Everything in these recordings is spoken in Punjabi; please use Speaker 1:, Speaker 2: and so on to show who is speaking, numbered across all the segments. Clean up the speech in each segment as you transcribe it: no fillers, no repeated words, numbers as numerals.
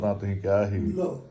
Speaker 1: ਨਾ ਤੁਸੀਂ ਕਿਹਾ ਸੀ
Speaker 2: ਲਓ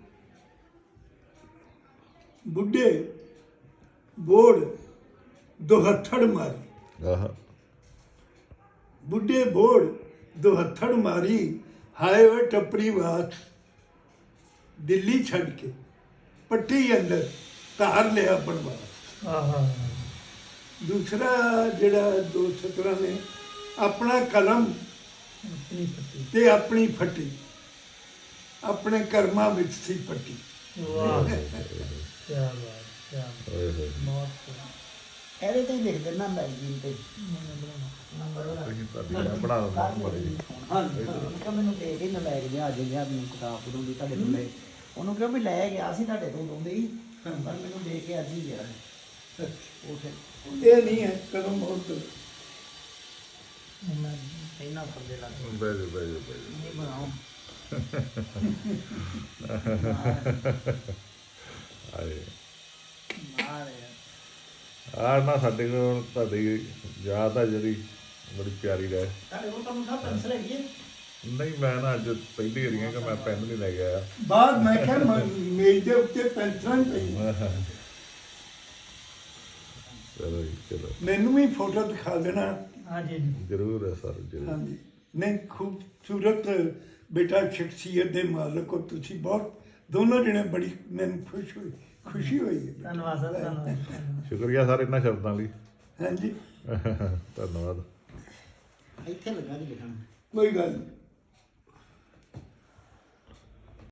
Speaker 2: ਬੁੱਢੇ ਬੋੜ ਦੁਹੱਥੜ ਮਾਰੀ
Speaker 1: ਆਹ
Speaker 2: ਬੁੱਢੇ ਬੋੜ ਦੁਹੱਥੜ ਮਾਰੀ ਹਾਏ ਵੇ ਟੱਪਰੀ ਬਾਤ ਦਿੱਲੀ ਛੱਡ ਕੇ ਪੱਟੀ ਅੰਦਰ ਧਾਰ ਲਿਆ ਬਣਵਾ।
Speaker 3: ਆਹਾ
Speaker 2: ਦੂਸਰਾ ਜਿਹੜਾ ਦੋ ਸਤਰਾਂ ਨੇ ਆਪਣਾ ਕਲਮ
Speaker 3: ਆਪਣੀ ਪੱਤੀ
Speaker 2: ਤੇ ਆਪਣੀ ਫੱਟੀ ਆਪਣੇ ਕਰਮਾਂ ਵਿੱਚ ਸੀ ਪੱਟੀ।
Speaker 3: ਵਾਹ ਕੀ ਬਾਤ ਕੀ ਬਾਤ
Speaker 1: ਓਏ ਹੋਏ
Speaker 3: ਬਹੁਤ
Speaker 4: ਇਹਦੇ ਤੇ ਲਿਖ ਦੇਣਾ ਮੈਗਜ਼ੀਨ ਤੇ ਨੰਬਰ
Speaker 1: ਤੁਸੀਂ ਤੁਹਾਡੀ ਬਣਾ ਦਿੰਦਾ ਬੜੀ
Speaker 4: ਹਾਂ ਮੈਨੂੰ ਦੇ ਕੇ ਲੈ ਕੇ ਗਿਆ ਅੱਜ ਗਿਆ ਮੈਨੂੰ ਕਿਤਾਬ ਪੜ੍ਹਨ ਦੀ ਤੁਹਾਡੇ ਤੋਂ ਲੈ ਉਹਨੂੰ ਕਿਹਾ ਵੀ ਲੈ ਗਿਆ ਸੀ ਤੁਹਾਡੇ ਤੋਂ ਦੋਂਦੇ ਹੀ ਪਰ ਮੈਨੂੰ ਦੇ ਕੇ ਅੱਜ ਹੀ ਗਿਆ ਉਹ ਫਿਰ
Speaker 2: ਇਹ ਨਹੀਂ ਹੈ ਕਲਮ ਹੋਰ ਤੋਂ
Speaker 4: ਮੈਂ ਇਹਨਾਂ ਫਰਦੇ ਲੱਗ
Speaker 1: ਬੈਜੋ ਬੈਜੋ
Speaker 4: ਨਹੀਂ ਬਣਾਓ
Speaker 1: ਆਏ
Speaker 4: ਮਾਰੇ
Speaker 1: ਆ ਨਾ ਸਾਡੇ ਕੋਲ ਤੁਹਾਡੀ ਯਾਦ ਆ ਜਿਹੜੀ ਬੜੀ ਪਿਆਰੀ ਰਹਿ
Speaker 4: ਤੁਹਾਡੇ ਕੋਲ ਤਾਂ ਮੁੰਡਾ ਪੈਨਸਲ ਹੈਗੀ ਹੈ
Speaker 1: ਨਹੀਂ ਮੈਂ ਨਾ ਅੱਜ ਪਹਿਲੀ ਵਾਰੀ ਕਿ ਮੈਂ ਪੈਨ ਨਹੀਂ ਲੈ ਕੇ ਆਇਆ
Speaker 2: ਬਾਅਦ ਮੈਂ ਕਿਹਾ ਮੇਜ਼ ਦੇ ਉੱਤੇ ਪੈਨਸਲਾਂ ਪਈ
Speaker 1: ਚਲੋ ਜੀ ਚਲੋ
Speaker 2: ਮੈਨੂੰ ਵੀ ਫੋਟੋ ਦਿਖਾ ਦੇਣਾ।
Speaker 3: ਹਾਂਜੀ
Speaker 1: ਜ਼ਰੂਰ ਹੈ ਸਰ ਜ਼ਰੂਰ
Speaker 2: ਹਾਂਜੀ ਨਹੀਂ ਖੂਬਸੂਰਤ ਬੇਟਾ ਸ਼ਖਸੀਅਤ ਦੇ ਮਾਲਕ ਹੋ ਤੁਸੀਂ ਬਹੁਤ ਦੋਨੋਂ ਜਣੇ ਬੜੀ ਮੈਨੂੰ ਖੁਸ਼ੀ ਹੋਈ ਹੈ।
Speaker 3: ਧੰਨਵਾਦ ਸਰ ਧੰਨਵਾਦ
Speaker 1: ਸ਼ੁਕਰੀਆ ਸਰ ਇਹਨਾਂ ਸ਼ਬਦਾਂ ਲਈ
Speaker 2: ਹਾਂਜੀ
Speaker 1: ਧੰਨਵਾਦ
Speaker 4: ਇੱਥੇ ਲੱਗਾ ਜੀ ਲਿਖਣ
Speaker 2: ਕੋਈ ਗੱਲ ਨਹੀਂ।